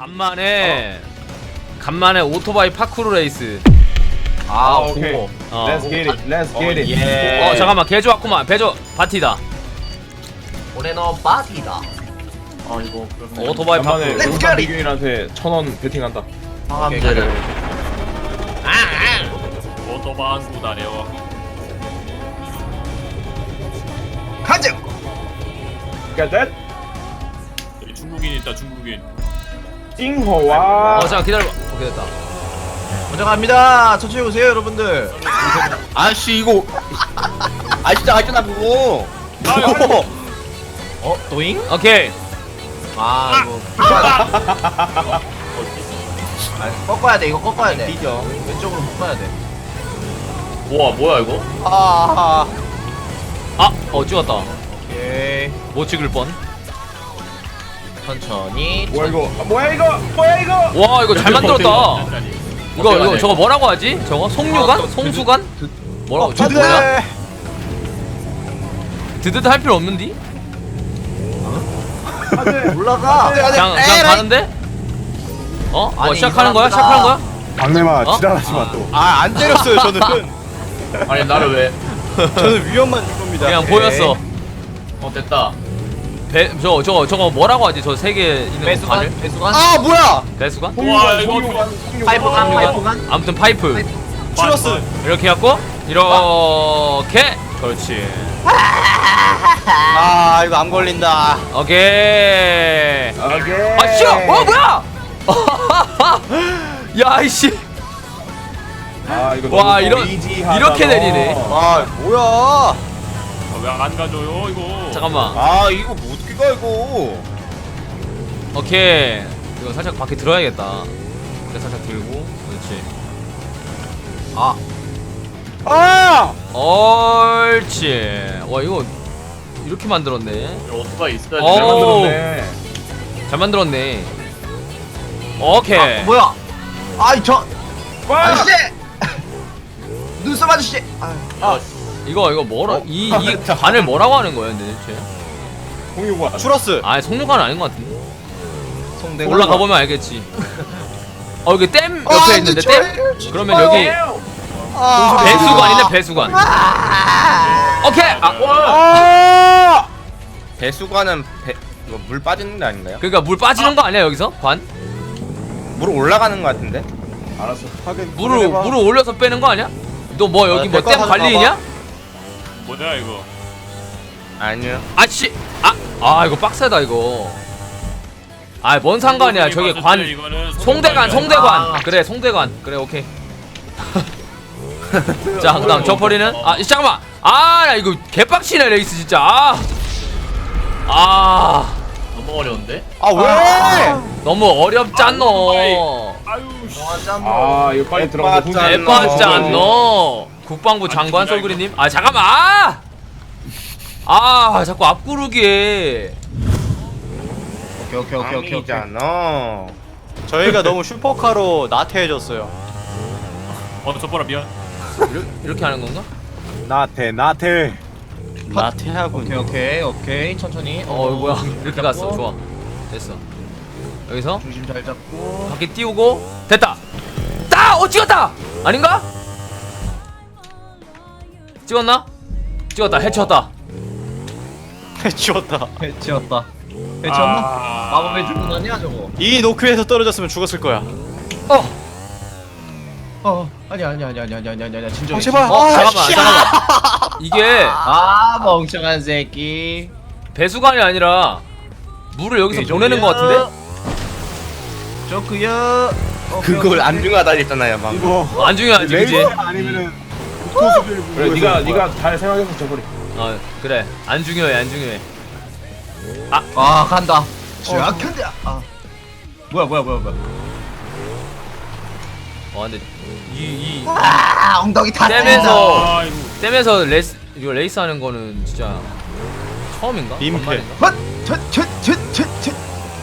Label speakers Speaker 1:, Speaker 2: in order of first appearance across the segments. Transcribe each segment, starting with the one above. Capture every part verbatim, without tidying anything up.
Speaker 1: 간만에 간만에 오토바이 파쿠르 레이스.
Speaker 2: 아,
Speaker 3: 오케이.
Speaker 2: 오.
Speaker 1: 어.
Speaker 3: Let's get it. Let's get it.
Speaker 2: 예.
Speaker 1: 어 잠깐만 개조 왔구만. 배조 바티다.
Speaker 2: 올해너 바디다. 어 이거 그러면
Speaker 1: 오토바이
Speaker 3: 간만에
Speaker 1: 파쿠르.
Speaker 2: Let's
Speaker 3: 용산
Speaker 2: get it.
Speaker 3: 비균한테 천 원 베팅한다.
Speaker 2: 상암제를.
Speaker 4: 오토바이 구다려.
Speaker 2: 가자.
Speaker 3: Get that?
Speaker 4: 여기 중국인 있다 중국인.
Speaker 3: 띵호와.
Speaker 1: 어 잠깐 기다려봐. 오케이 됐다.
Speaker 2: 먼저 갑니다. 천천히 오세요, 여러분들.
Speaker 5: 아씨 이거 아 진짜 아잖아 그거.
Speaker 2: 어, 도잉?
Speaker 1: 오케이.
Speaker 2: 아, 이거. 아, 꺾어야 돼. 이거 꺾어야 돼.
Speaker 5: 뒤져.
Speaker 2: 왼쪽으로 꺾어야 돼.
Speaker 5: 와 뭐야 이거?
Speaker 2: 아,
Speaker 1: 아, 어 찍었다.
Speaker 2: 오케이.
Speaker 1: 못 찍을 뻔.
Speaker 2: 천천히.
Speaker 3: 뭐야 이거? 아, 뭐야 이거? 뭐야 이거?
Speaker 1: 와 이거 잘 만들었다.
Speaker 4: 짠짜리.
Speaker 1: 이거 이거
Speaker 5: 어때요?
Speaker 1: 저거 뭐라고 하지? 저거 송유관?
Speaker 2: 아, 또
Speaker 1: 송수관? 뭐라고?
Speaker 2: 어,
Speaker 1: 저거
Speaker 2: 드드.
Speaker 1: 뭐야? 드드드 할 필요 없는디?
Speaker 2: 올라가.
Speaker 3: 네,
Speaker 1: 그냥 그냥 가는데? 어? 뭐
Speaker 2: 아니,
Speaker 1: 시작하는 거야?
Speaker 2: 이상하다.
Speaker 1: 시작하는 거야?
Speaker 6: 박내마
Speaker 1: 어?
Speaker 6: 지랄하지 마 또.
Speaker 5: 아 안 때렸어요 저는. 아니 나를 왜?
Speaker 6: 저는 위험만 줄 겁니다.
Speaker 1: 그냥 보였어.
Speaker 5: 어 됐다.
Speaker 1: 배, 저, 저거, 저거 뭐라고 하지? 저 세 개 있는
Speaker 2: 배수관?
Speaker 1: 관을?
Speaker 2: 배수관?
Speaker 5: 아 뭐야?
Speaker 1: 배수관?
Speaker 4: 와 이거
Speaker 2: 파이프관, 파이프관?
Speaker 1: 아무튼 파이프.
Speaker 4: 추러스.
Speaker 1: 이렇게 갖고 이렇게. 그렇지.
Speaker 5: 아 이거 안 걸린다.
Speaker 1: 오케이.
Speaker 3: 오케이.
Speaker 1: 아 싫어. 어 뭐야? 야 이씨.
Speaker 3: 아 이거
Speaker 1: 와,
Speaker 3: 너무
Speaker 1: 이런-
Speaker 3: 이지하다,
Speaker 1: 이렇게
Speaker 3: 너.
Speaker 1: 내리네.
Speaker 5: 아 뭐야?
Speaker 4: 왜안 가져요 이거?
Speaker 1: 잠깐만.
Speaker 5: 아 이거 뭐 어떻게 가 이거?
Speaker 1: 오케이. 이거 살짝 밖에 들어야겠다. 그래 살짝 들고. 그렇지.
Speaker 2: 아,
Speaker 5: 아!
Speaker 1: 옳지. 와 이거 이렇게 만들었네.
Speaker 5: 오토바이 있어야
Speaker 1: 어.
Speaker 3: 잘 만들었네.
Speaker 1: 잘 만들었네. 오케이.
Speaker 2: 아, 뭐야? 아이, 저.
Speaker 3: 와!
Speaker 2: 아저씨! 눈썹 아저씨! 아,
Speaker 1: 이거 이거 뭐라
Speaker 3: 어?
Speaker 1: 이 이 관을 뭐라고 하는 거야, 근데 대체?
Speaker 3: 공유관.
Speaker 5: 추러스.
Speaker 1: 아, 속력관 아닌 것 같은데.
Speaker 2: 송대관.
Speaker 1: 올라가 보면 알겠지. 어, 여기 댐
Speaker 2: 아,
Speaker 1: 옆에 있는데 댐? 그러면 여기
Speaker 2: 아,
Speaker 1: 배수관이네, 배수관. 오케이. 아,
Speaker 5: 아! 배수관은 배 이거 물 빠지는 게 아닌가요?
Speaker 1: 그러니까 물 빠지는 거 아니야, 여기서? 관?
Speaker 5: 물 올라가는 거 같은데?
Speaker 3: 알았어.
Speaker 6: 하긴
Speaker 1: 물을 물을 올려서 빼는 거 아니야? 너 뭐 여기
Speaker 5: 아,
Speaker 1: 뭐
Speaker 5: 될거
Speaker 1: 댐
Speaker 5: 가져가
Speaker 1: 관리이냐?
Speaker 4: 뭐냐 이거?
Speaker 5: 아니요.
Speaker 1: 아씨. 아, 아 이거 빡세다 이거. 아, 뭔 상관이야. 저기 관
Speaker 4: 이거는
Speaker 1: 송대관,
Speaker 4: 송대관이야.
Speaker 1: 송대관.
Speaker 2: 아.
Speaker 1: 그래, 송대관. 그래, 오케이. 자, 그다음 저퍼리는 아, 이, 잠깐만. 아, 나 이거 개빡치네 레이스 진짜. 아, 아
Speaker 5: 너무 어려운데? 아 왜?
Speaker 1: 너무 어렵잖노.
Speaker 4: 아유 씨.
Speaker 3: 아 이거 빨리 들어가서
Speaker 5: 에빠짜.
Speaker 3: 훈련.
Speaker 1: 에빠잖노. 국방부 장관 솔그리님. 아, 잠깐만. 아, 아 자꾸 앞구르기에.
Speaker 2: 오케이, 오케이, 오케이, 오케이. 오케이.
Speaker 5: 아니잖아.
Speaker 6: 저희가 너무 슈퍼카로 나태해졌어요.
Speaker 4: 어 저보라 미안.
Speaker 1: 이렇게, 이렇게 하는 건가?
Speaker 6: 나태 나태. 나태하군.
Speaker 2: 오케이, 오케이, 오케이. 천천히.
Speaker 1: 어, 뭐야? 이렇게
Speaker 2: 잡고.
Speaker 1: 갔어. 좋아. 됐어. 여기서
Speaker 2: 중심 잘 잡고.
Speaker 1: 바퀴 띄우고 됐다. 따! 어, 찍었다. 아닌가? 찍었나? 찍었다. 해쳤다.
Speaker 6: 지웠다.
Speaker 2: 해치웠다. 해치웠나?
Speaker 4: 아.
Speaker 2: 마법의 주문 아니야, 저거?
Speaker 6: 이 노크에서 떨어졌으면 죽었을 거야.
Speaker 1: 어.
Speaker 2: 어, 아니야, 아니야, 아니야, 아니야, 아니야, 아니야, 아니야. 진정해.
Speaker 6: 아, 제발.
Speaker 1: 어,
Speaker 6: 아,
Speaker 1: 잠깐만.
Speaker 6: 씨.
Speaker 1: 잠깐만. 이게
Speaker 2: 아, 멍청한 새끼.
Speaker 1: 배수관이 아니라 물을 여기서
Speaker 2: 오케이,
Speaker 1: 보내는 것
Speaker 2: 저기요.
Speaker 1: 같은데?
Speaker 2: 저크야.
Speaker 5: 그걸 안중하다 했잖아요 막.
Speaker 6: 이거
Speaker 1: 안 중요하지, 그지?
Speaker 6: 레이저 아니면은 고토수들
Speaker 3: 그래 네가 네가 잘 생각해서 저버리.
Speaker 1: 어, 그래. 안 중요해, 안 중요해.
Speaker 2: 아, 간다. 쫙 간다. 아. 뭐야, 뭐야, 뭐야, 뭐야.
Speaker 1: 어, 근데 이, 이
Speaker 2: 아, 엉덩이 다
Speaker 1: 댐에서
Speaker 4: 아 이거
Speaker 1: 댐에서 레이스 이거 레이스 하는 거는 진짜 처음인가?
Speaker 6: 민폐.
Speaker 1: 만만인가?
Speaker 2: 헛! 첫, 첫, 첫, 첫, 첫.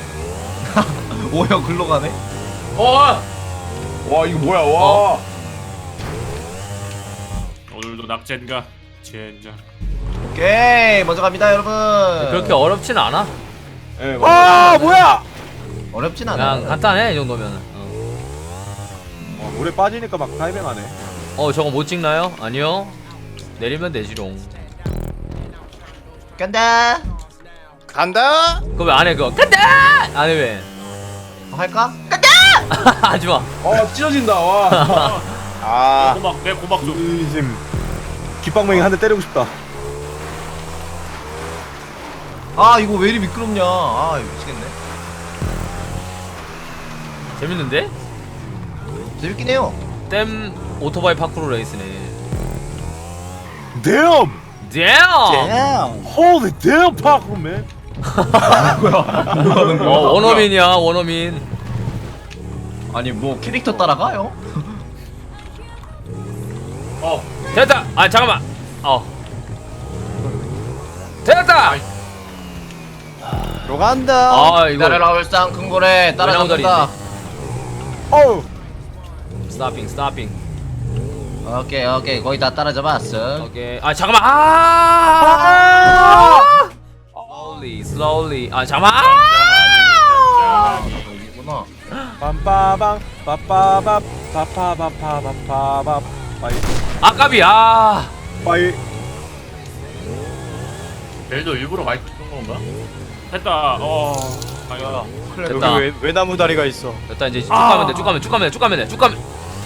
Speaker 2: 오형 글로 가네.
Speaker 1: 어!
Speaker 3: 와 이거 뭐야 와.
Speaker 1: 어.
Speaker 4: 오늘도 납젠가 젠장.
Speaker 2: 오케이, 먼저 갑니다, 여러분.
Speaker 1: 그렇게 어렵진 않아.
Speaker 3: 예.
Speaker 6: 아 뭐야?
Speaker 2: 어렵진 않아.
Speaker 1: 그냥 간단해 이 정도면. 어.
Speaker 6: 어, 물에 빠지니까 막 타이밍하네.
Speaker 1: 어 저거 못 찍나요? 아니요. 내리면 되지롱.
Speaker 2: 간다.
Speaker 5: 간다.
Speaker 1: 그거 왜 안 해 그거? 간다! 안 해 왜?
Speaker 2: 어, 할까?
Speaker 1: 하지마.
Speaker 3: 어 찢어진다 와.
Speaker 5: 아
Speaker 4: 고막 내 고막 좀.
Speaker 6: 의심. 깃방맹이 한 대 때리고 싶다.
Speaker 2: 아 이거 왜 이리 미끄럽냐. 아 이거 미치겠네.
Speaker 1: 재밌는데?
Speaker 2: 재밌긴 해요.
Speaker 1: 댐 오토바이 파크로 레이스네.
Speaker 6: Damn!
Speaker 1: damn!
Speaker 6: Holy damn, 파크맨!
Speaker 1: 어 원어민이야 원어민.
Speaker 2: 아니 뭐 캐릭터 따라가요?
Speaker 3: 어
Speaker 1: 됐다. 아 잠깐만. 어. 됐다.
Speaker 6: 들어간다.
Speaker 1: 아 이거
Speaker 2: 기다려라 울산 큰고래 따라잡는다.
Speaker 6: 어우!
Speaker 1: 스탑핑 스탑핑.
Speaker 2: 오케이 오케이 거의 다 따라잡았어.
Speaker 1: 오케이. 아 잠깐만. 아! slowly slowly. 아 잠깐만. 아!
Speaker 2: 여기구나.
Speaker 6: 빰빠방 빠빠밥 빠빠바빠바빠밥 빠이
Speaker 1: 아깝이. 아.
Speaker 6: 빠이.
Speaker 4: 벨도 일부러 많이 뜯은 건가? 됐다. 어. 아이고.
Speaker 1: 됐다.
Speaker 6: 여기 왜, 왜 나무 다리가 있어?
Speaker 1: 됐다 이제 쭉 가면 돼. 쭉 가면 쭉 가면 돼. 쭉 가면 돼. 쭉 가면.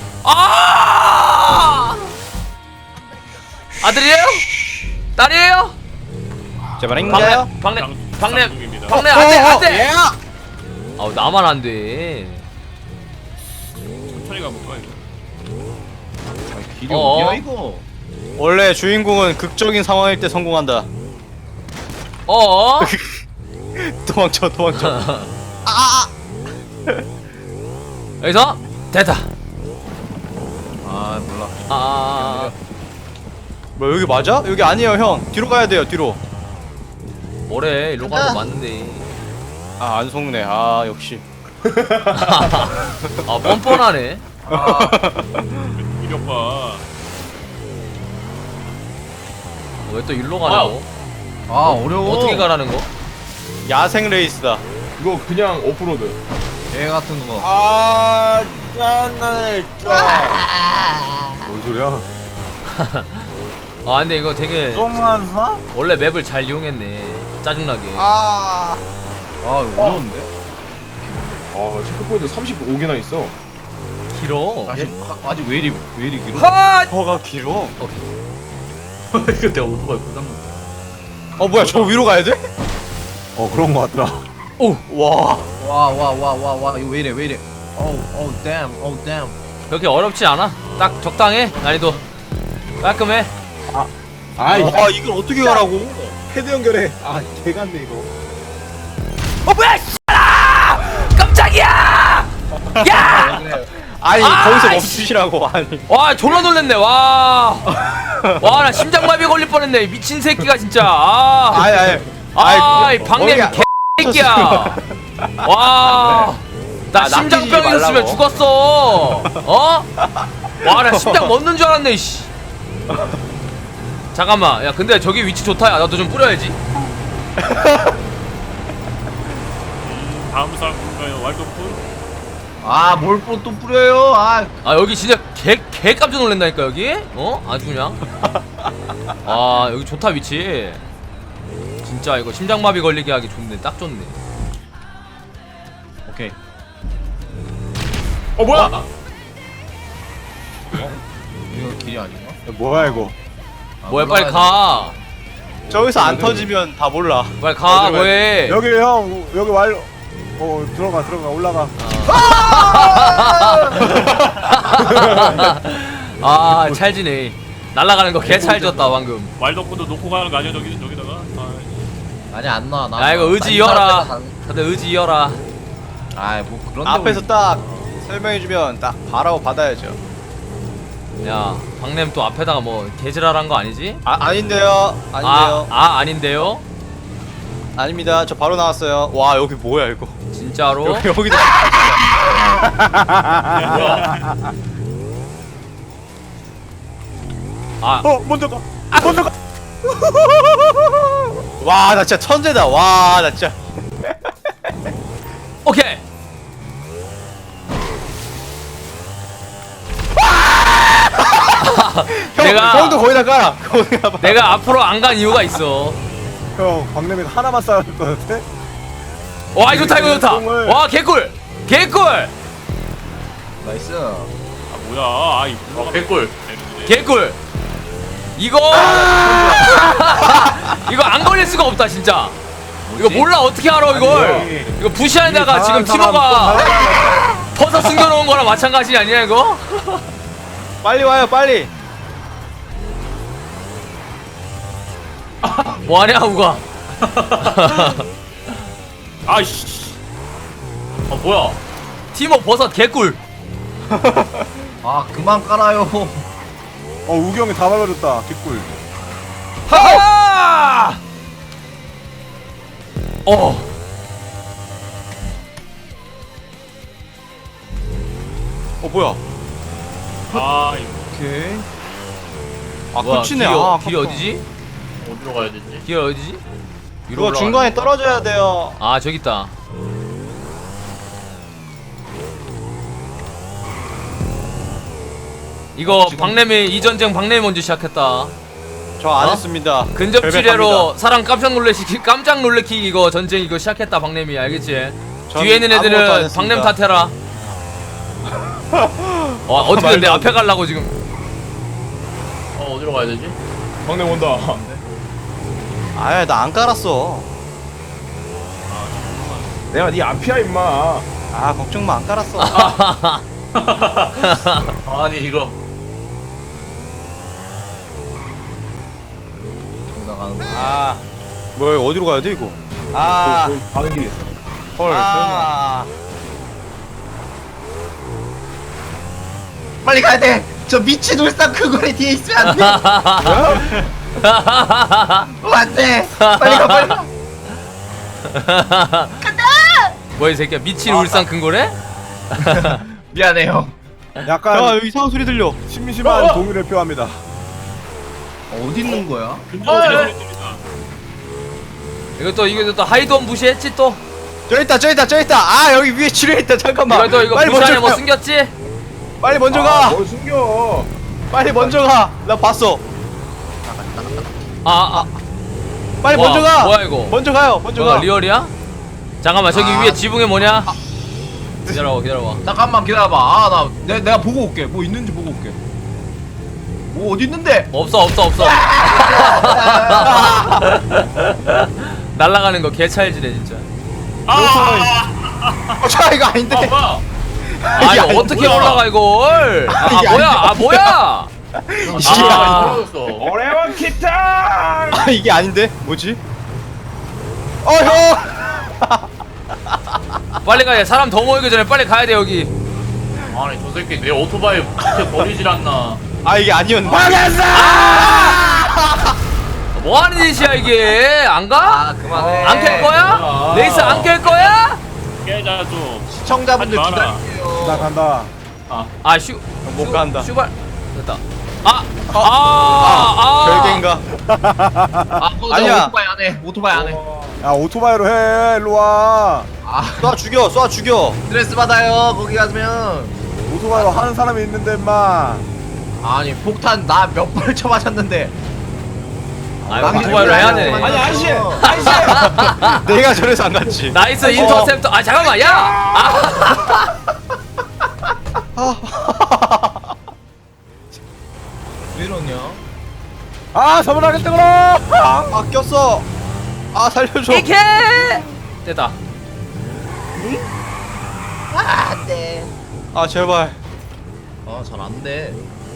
Speaker 1: 아! 아들이에요? 딸이에요?
Speaker 6: 제발인가요?
Speaker 1: 박내
Speaker 4: 장-
Speaker 1: 박내
Speaker 4: 장중입니다.
Speaker 1: 박내 안돼 안돼. 아우 나만 안 돼.
Speaker 4: 천천히 가볼까 이거?
Speaker 2: 길이
Speaker 1: 어어.
Speaker 2: 어디야 이거?
Speaker 6: 원래 주인공은 극적인 상황일 때 성공한다.
Speaker 1: 어?
Speaker 6: 도망쳐 도망쳐.
Speaker 1: 여기서 됐다.
Speaker 2: 아 몰라.
Speaker 1: 아.
Speaker 6: 뭐 여기 맞아? 여기 아니에요 형. 뒤로 가야 돼요 뒤로.
Speaker 1: 뭐래 일로 가는 거 맞는데.
Speaker 6: 아 안 속네. 아 역시.
Speaker 1: 아 뻔뻔하네.
Speaker 4: 이력 봐.
Speaker 1: 왜 또 일로 가냐고?
Speaker 2: 아 어려워.
Speaker 1: 어떻게 가라는 거?
Speaker 6: 야생 레이스다.
Speaker 3: 이거 그냥 오프로드.
Speaker 2: 개 같은 거.
Speaker 5: 아 짠나네.
Speaker 6: 뭔 소리야?
Speaker 1: 아 근데 이거 되게
Speaker 6: 똥만 사?
Speaker 1: 원래 맵을 잘 이용했네. 짜증나게.
Speaker 5: 아
Speaker 2: 아 이거 어려운데?
Speaker 3: 아 체크포인트 삼십오 개나 있어.
Speaker 1: 길어.
Speaker 2: 아직 아직 왜 이리 왜 이리 길어?
Speaker 1: 하!
Speaker 6: 허가 길어.
Speaker 2: 이거 내가 오토바이 부담.
Speaker 6: 어 뭐야 저 위로 가야 돼? 어 그런 거 같더라.
Speaker 1: 오.
Speaker 6: 와.
Speaker 2: 와와와와와 이거 왜 이래 왜 이래? 어우 어우 댐 어우 댐.
Speaker 1: 그렇게 어렵지 않아. 딱 적당해. 난이도 깔끔해.
Speaker 6: 아이. 아 이걸 어떻게 가라고? 헤드 연결해. 아 개같네 이거.
Speaker 1: 어 뭐야? 씨발아! 깜짝이야! 야!
Speaker 6: 아니
Speaker 1: 아,
Speaker 6: 거기서
Speaker 1: 씨.
Speaker 6: 멈추시라고 아니.
Speaker 1: 와 졸라 놀랬네. 와. 와 나 심장마비 걸릴 뻔했네. 미친 새끼가 진짜. 아.
Speaker 6: 아니 아니.
Speaker 1: 아이 방냄
Speaker 6: 머리가-
Speaker 1: 개새끼야. 와. 나
Speaker 6: 아,
Speaker 1: 심장병
Speaker 6: 낚이지
Speaker 1: 있었으면
Speaker 6: 말라고.
Speaker 1: 죽었어. 어? 와 나 심장 멎는 줄 알았네. 씨. 잠깐만. 야 근데 저기 위치 좋다. 야 나도 좀 뿌려야지.
Speaker 4: 다음 사람 누가요? 왈도프?
Speaker 2: 아뭘 또 뿌려요? 아
Speaker 1: 아 여기 진짜 개, 개 깜짝 놀란다니까 여기. 어? 아주 그냥. 아 여기 좋다 위치. 진짜 이거 심장마비 걸리게 하기 좋네. 딱 좋네.
Speaker 2: 오케이.
Speaker 3: 어 뭐야?
Speaker 2: 이거 길이 아닌가?
Speaker 6: 뭐야 이거?
Speaker 2: 아,
Speaker 1: 뭐야
Speaker 2: 올라가야
Speaker 1: 빨리 가.
Speaker 6: 저기서 안 터지면 다 몰라.
Speaker 1: 빨리 가 뭐해.
Speaker 6: 여기 형 여기 왈. 어 들어가 들어가 올라가.
Speaker 1: 아 찰지네. 날아가는 거 개 찰졌다 방금.
Speaker 4: 왈도프도 놓고 가는 거 아니야 저기 저기다가? 아,
Speaker 2: 돼. 아니 안 나와 나.
Speaker 1: 야 이거 의지 이어라. 다들 의지 이어라.
Speaker 2: 아뭐 그런.
Speaker 6: 앞에서 딱 설명해주면 딱 바라고 받아야죠.
Speaker 1: 야 박냄 또 앞에다가 뭐 개지랄한 거 아니지?
Speaker 6: 아 아닌데요. 아닌데요.
Speaker 1: 아, 아 아닌데요?
Speaker 6: 아, 닙니다. 저 바로 나왔어요. 와 여기 뭐야 이거?
Speaker 1: 진짜로?
Speaker 6: 여기 여기다.
Speaker 1: 아
Speaker 6: 어 먼저 가. 먼저 가. 와 나 진짜 천재다. 와 나 진짜.
Speaker 1: 오케이
Speaker 6: 형,
Speaker 1: 내가
Speaker 6: 형도 거의 다 깔아. 거기 가봐.
Speaker 1: 내가 앞으로 안 간 이유가 있어.
Speaker 7: 형 광림이가 하나만 쌓을 것 같아?
Speaker 1: 와 이거 좋다 이거 좋다.
Speaker 7: 똥을.
Speaker 1: 와 개꿀 개꿀
Speaker 2: 나이스.
Speaker 4: 아 뭐야 아이
Speaker 5: 어, 개꿀.
Speaker 1: 개꿀. 이거 이거 안 걸릴 수가 없다 진짜. 이거 몰라 어떻게 알아 이걸. 이거 부시안에다가 지금 티모가 퍼서 숨겨놓은 거랑 마찬가지 아니야 이거?
Speaker 6: 빨리 와요, 빨리.
Speaker 1: 뭐하냐 우가.
Speaker 4: 아이씨
Speaker 5: 어 뭐야?
Speaker 1: 티모 버섯 개꿀.
Speaker 2: 아 그만 깔아요.
Speaker 7: 어 우기 형이 다 밟아줬다 개꿀.
Speaker 1: 하하! 어.
Speaker 6: 어, 뭐야?
Speaker 4: 아 이거
Speaker 6: 오케이. 아,
Speaker 1: 뭐야,
Speaker 6: 끝이네.
Speaker 1: 길이,
Speaker 6: 아,
Speaker 1: 길이 어디지?
Speaker 5: 어디로 가야 되지?
Speaker 1: 길이 어디지? 위로
Speaker 6: 그거
Speaker 1: 올라가네.
Speaker 6: 중간에 떨어져야 돼요.
Speaker 1: 아 저기 있다. 이거 박래미 이 전쟁 박래미 먼저 시작했다.
Speaker 6: 저 안
Speaker 1: 어?
Speaker 6: 했습니다.
Speaker 1: 근접지뢰로
Speaker 6: 결백합니다.
Speaker 1: 사람 깜짝 놀래키 깜짝 놀래키 이거 전쟁 이거 시작했다 박래미 알겠지?
Speaker 6: 전
Speaker 1: 뒤에 있는
Speaker 6: 아무것도 안
Speaker 1: 애들은
Speaker 6: 했습니다.
Speaker 1: 박래미 탓해라. 와 어떻게 내 앞에 가려고 지금?
Speaker 5: 어 어디로 가야 되지?
Speaker 3: 막내 온다.
Speaker 6: 아예 나 안 깔았어.
Speaker 3: 내가 네 앞이야 임마.
Speaker 6: 아 걱정 마, 안 깔았어.
Speaker 5: 아니 이거
Speaker 2: 나가는 거.
Speaker 6: 아 뭐야, 어디로 가야 돼 이거? 아,
Speaker 3: 거기 가는 길이 있어.
Speaker 6: 헐,
Speaker 2: 아. 빨리 가야 돼. 저 미친 울산 큰 거리 뒤에 있으면 안 돼. 어, 안 돼. 빨리 가 빨리 가.
Speaker 1: 뭐야 이 새끼야 미친 울산 근거래?
Speaker 2: 미안해요.
Speaker 7: 약간
Speaker 6: 야, 여기 이상한 소리 들려.
Speaker 7: 심심한 동의를 표합니다.
Speaker 2: 어디 있는 거야?
Speaker 4: 근접지뢰 소리 들린다
Speaker 1: 이거 또 이거 또 하이돈 무시했지 또?
Speaker 6: 저기 있다, 저기 있다, 저기 있다. 아, 여기 위에 지뢰 있다. 잠깐만.
Speaker 1: 이거 또 이거
Speaker 6: 빨리
Speaker 1: 부산에
Speaker 6: 먼저
Speaker 1: 뭐
Speaker 6: 가.
Speaker 1: 숨겼지?
Speaker 6: 빨리 먼저
Speaker 3: 아,
Speaker 6: 가.
Speaker 3: 뭘 숨겨.
Speaker 6: 빨리 먼저 가. 나 봤어.
Speaker 1: 아, 아
Speaker 6: 빨리
Speaker 1: 와,
Speaker 6: 먼저 가.
Speaker 1: 뭐야, 이거?
Speaker 6: 먼저 가요. 먼저
Speaker 1: 뭐야
Speaker 6: 가.
Speaker 1: 리얼이야? 잠깐만 저기
Speaker 2: 아.
Speaker 1: 위에 지붕에 뭐냐? 기다려봐 기다려봐.
Speaker 2: 잠깐만 기다려봐. 아 나 내, 내가 보고 올게. 뭐 있는지 보고 올게. 뭐 어디 있는데?
Speaker 1: 없어 없어 없어. 날라가는 거 개찰지네 진짜.
Speaker 6: 어, 자, 이거 아닌데.
Speaker 5: 아 뭐야?
Speaker 1: 아 이거 어떻게 올라가 이걸? 아
Speaker 6: 이게
Speaker 1: 뭐야 아 뭐야?
Speaker 6: 이게
Speaker 1: 아.
Speaker 6: 아.
Speaker 5: 떨어졌어.
Speaker 3: 오레원 기타.
Speaker 6: 아, 이게 아닌데. 뭐지? 어, 형.
Speaker 1: 빨리 가야 돼. 사람 더 모이기 전에 빨리 가야 돼 여기.
Speaker 5: 아니 저 새끼 내 오토바이 밑에 버리질 않나?
Speaker 6: 아, 이게 아니었네.
Speaker 1: 뭐 하는 짓이야 이게? 안 가?
Speaker 2: 아 그만해.
Speaker 1: 안 깰 거야?
Speaker 5: 뭐야.
Speaker 1: 레이스 안 깰 거야?
Speaker 4: 깨자 좀
Speaker 2: 시청자분들
Speaker 4: 하지 마라.
Speaker 7: 나
Speaker 2: 기다릴게요.
Speaker 7: 간다.
Speaker 1: 아 슈.
Speaker 6: 못
Speaker 1: 슈-
Speaker 6: 간다.
Speaker 1: 슈발. 됐다. 아. 아. 아. 아.
Speaker 6: 별개인가?
Speaker 2: 아 어,
Speaker 6: 아니야.
Speaker 2: 아니야. 오토바이 안 해. 오토바이 안 해.
Speaker 7: 야 오토바이로 해. 일로 와.
Speaker 2: 아
Speaker 6: 쏴 죽여, 쏴 죽여.
Speaker 2: 스트레스 받아요. 거기 가면.
Speaker 7: 오토바이로 하는 사람이 있는데 임마.
Speaker 2: 아니 폭탄 나 몇 발 쳐맞았는데.
Speaker 1: 아 오토바이로 해야 돼.
Speaker 2: 아니 아저씨.
Speaker 6: 내가 저래서 안 갔지.
Speaker 1: 나이스 인터셉터. 아 잠깐만 야. 아.
Speaker 2: 왜 이러냐?
Speaker 7: 아 서문하겠다 그럼.
Speaker 6: 아, 꼈어. 아, 살려줘.
Speaker 1: 이케. 됐다.
Speaker 2: 아 안돼.
Speaker 6: 아, 제발.
Speaker 2: 아잘 안돼.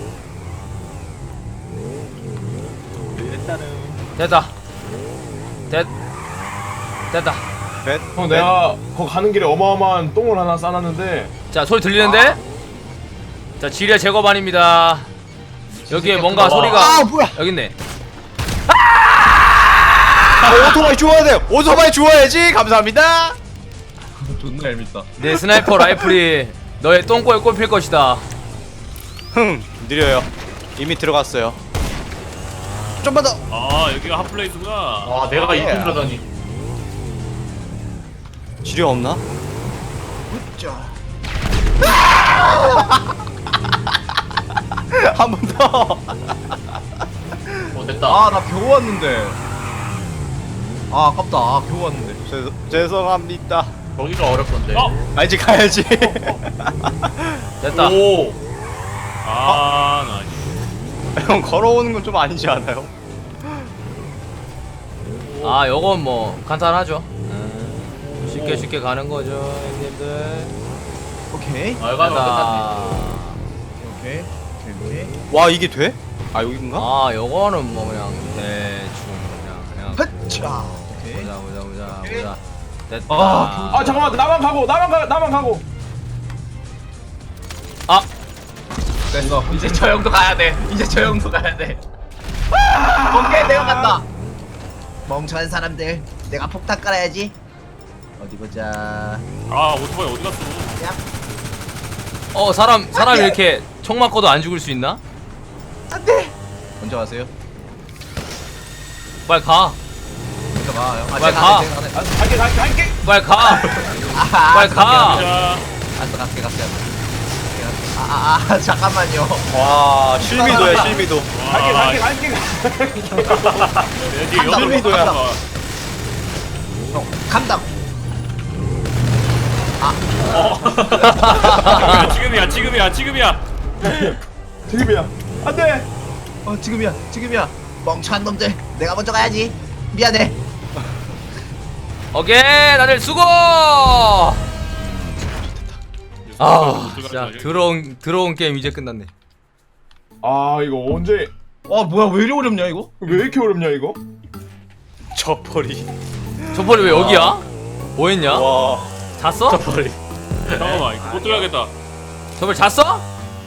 Speaker 1: 됐다. 됐. 됐다.
Speaker 6: 뱃.
Speaker 3: 형 내가 거 가는 길에 어마어마한 똥을 하나 싸놨는데.
Speaker 1: 자 소리 들리는데? 자 지뢰 제거반입니다. 여기에 뭔가
Speaker 2: 봐봐.
Speaker 1: 소리가
Speaker 6: 아, 뭐야.
Speaker 1: 여기 있네.
Speaker 6: 아, 오토바이 주워야 돼. 오토바이 주워야지. 감사합니다.
Speaker 2: 존나 얄밉다.
Speaker 1: 내 스나이퍼 라이플이 너의 똥꼬에 꼽힐 것이다.
Speaker 6: 흥, 느려요. 이미 들어갔어요. 좀만 더.
Speaker 4: 아 여기가 핫플레이스구나
Speaker 5: 아 내가 이쯤 가다니.
Speaker 6: 지뢰 없나?
Speaker 2: 자.
Speaker 5: 한 번 더.
Speaker 4: 어 됐다.
Speaker 2: 아 나 겨우 왔는데. 아 아깝다. 아 겨우 왔는데.
Speaker 5: 죄, 죄송합니다.
Speaker 4: 거기가 어렵던데. 어?
Speaker 5: 아 이제 가야지.
Speaker 1: 됐다.
Speaker 4: 오. 아 나.
Speaker 5: 형 걸어오는 건 좀 아니지 않아요?
Speaker 1: 아 요건 뭐 간단하죠. 음, 쉽게
Speaker 4: 오.
Speaker 1: 쉽게 가는 거죠 형님들.
Speaker 2: 오케이.
Speaker 4: 아 이거 끝났네.
Speaker 1: 됐다.
Speaker 2: 오케이. 오케이 오케이.
Speaker 5: 와 이게 돼? 아 여긴가?
Speaker 1: 아 요거는 뭐 그냥 대충 그냥 그냥
Speaker 2: 흐차. 오케이.
Speaker 1: 보자 보자 보자
Speaker 2: 오케이.
Speaker 1: 보자. 됐다.
Speaker 2: 아,
Speaker 3: 아 잠깐만 나만 가고 나만 가 나만 가고.
Speaker 1: 아
Speaker 2: 됐어. 이제 저 형도 가야 돼. 이제 저 형도 가야 돼. 오케이 내가 간다. 멍청한 사람들. 내가 폭탄 깔아야지. 어디 보자.
Speaker 4: 아 오토바이 어디 갔어?
Speaker 1: 어 사람 사람 이렇게 총 맞고도 안 죽을 수 있나?
Speaker 2: 안돼. 먼저 가세요.
Speaker 1: 빨리 가.
Speaker 2: 먼저 가. 형. 아,
Speaker 1: 빨리
Speaker 2: 제가
Speaker 1: 가.
Speaker 2: 안 돼, 제가 안 돼.
Speaker 3: 아, 갈게 갈게 갈게.
Speaker 1: 빨리 가.
Speaker 2: 아하,
Speaker 1: 빨리 가.
Speaker 4: 자.
Speaker 2: 알았어 갈게 갈게. 아아 아, 잠깐만요.
Speaker 5: 와 실미도야 실미도.
Speaker 3: 갈게
Speaker 4: 와,
Speaker 3: 갈게 갈게.
Speaker 4: 여기
Speaker 2: 간다,
Speaker 4: 여기도야.
Speaker 2: 간다. 형 간다.
Speaker 4: 지금이야 지금이야 지금이야.
Speaker 3: 지금이야. 안돼.
Speaker 2: 어 지금이야 지금이야. 멍청한 놈들. 내가 먼저 가야지. 미안해.
Speaker 1: 오케이 다들 수고. 아 진짜 들어온 들어온 게임 이제 끝났네.
Speaker 3: 아 이거 언제?
Speaker 2: 와 뭐야 왜 이리 어렵냐 이거?
Speaker 3: 왜 이렇게 어렵냐 이거?
Speaker 5: 저 벌이.
Speaker 1: 저번에 왜 여기야? 뭐했냐?
Speaker 5: 와.
Speaker 1: 잤어?
Speaker 4: 잠깐만 이거 못 들어가겠다.
Speaker 1: 저번에 잤어?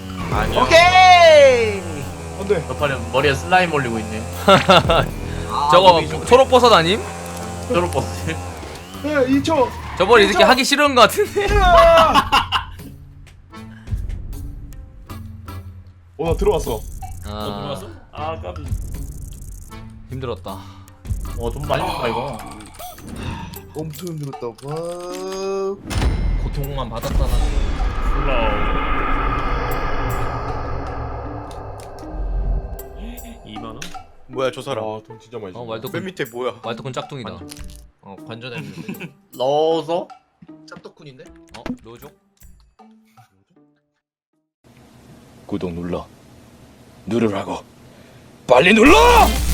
Speaker 2: 오케이.
Speaker 3: 안돼.
Speaker 4: 저팔은 머리에 슬라임 올리고 있네.
Speaker 1: 저거 초록버섯 아님?
Speaker 4: 초록버스.
Speaker 3: 네 이 초.
Speaker 1: 저번에 이렇게 하기 싫은 거 같은데.
Speaker 3: 어나 들어왔어.
Speaker 1: 아
Speaker 4: 들어갔어? 아 까비.
Speaker 1: 힘들었다.
Speaker 4: 어좀 많이 먹다 이거.
Speaker 6: 엄청 힘들었다. 와.
Speaker 2: 고통만 받았다 나.
Speaker 4: 플라워. 이만 원?
Speaker 5: 뭐야 저 사람.
Speaker 3: 아돈 진짜 많이.
Speaker 1: 어
Speaker 3: 줬네.
Speaker 5: 맨
Speaker 1: 왈도쿤
Speaker 5: 밑에 뭐야?
Speaker 1: 왈도쿤 짝퉁이다.
Speaker 2: 어 관전했는데.
Speaker 4: 넣어서?
Speaker 2: 짭떡군인데?
Speaker 1: 어 넣어줘.
Speaker 6: 구독 눌러. 누르라고. 빨리 눌러!